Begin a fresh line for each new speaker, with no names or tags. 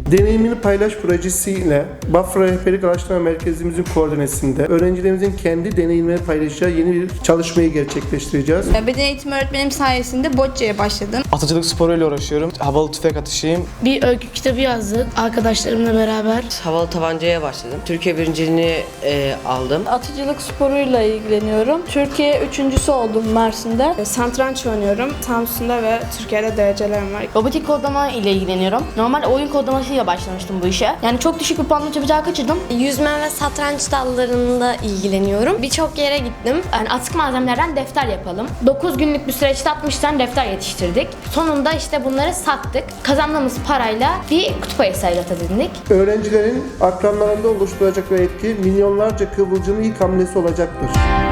Deneyimini Paylaş projesiyle Bafra Rehberlik Araştırma Merkezimizin koordinesinde öğrencilerimizin kendi deneyimlerini paylaşacağı yeni bir çalışmayı gerçekleştireceğiz.
Beden eğitimi öğretmenim sayesinde bocce'ye başladım.
Atıcılık sporuyla uğraşıyorum. Havalı tüfek atışıyım.
Bir öykü kitabı yazdık arkadaşlarımla beraber.
Havalı tabancaya başladım. Türkiye birinciliğini aldım.
Atıcılık sporuyla ilgileniyorum. Türkiye üçüncüsü oldum Mersin'de. Satranç oynuyorum. Samsun'da ve Türkiye'de derecelerim var.
Robotik kodlama ile ilgileniyorum. Normal oyun kodlamasıyla başlamıştım bu işe. Yani çok düşük bir puanla çabucağı kaçırdım.
Yüzme ve satranç dallarında ilgileniyorum. Birçok yere gittim.
Yani atık malzemelerden defter yapalım. 9 günlük bir süreçte 60 tane defter yetiştirdik. Sonunda işte bunları sattık. Kazandığımız parayla bir kutup ayısı evlat edindik.
Öğrencilerin akranlarında oluşturacakları etki milyonlarca kıvılcımın ilk hamlesi olacaktır.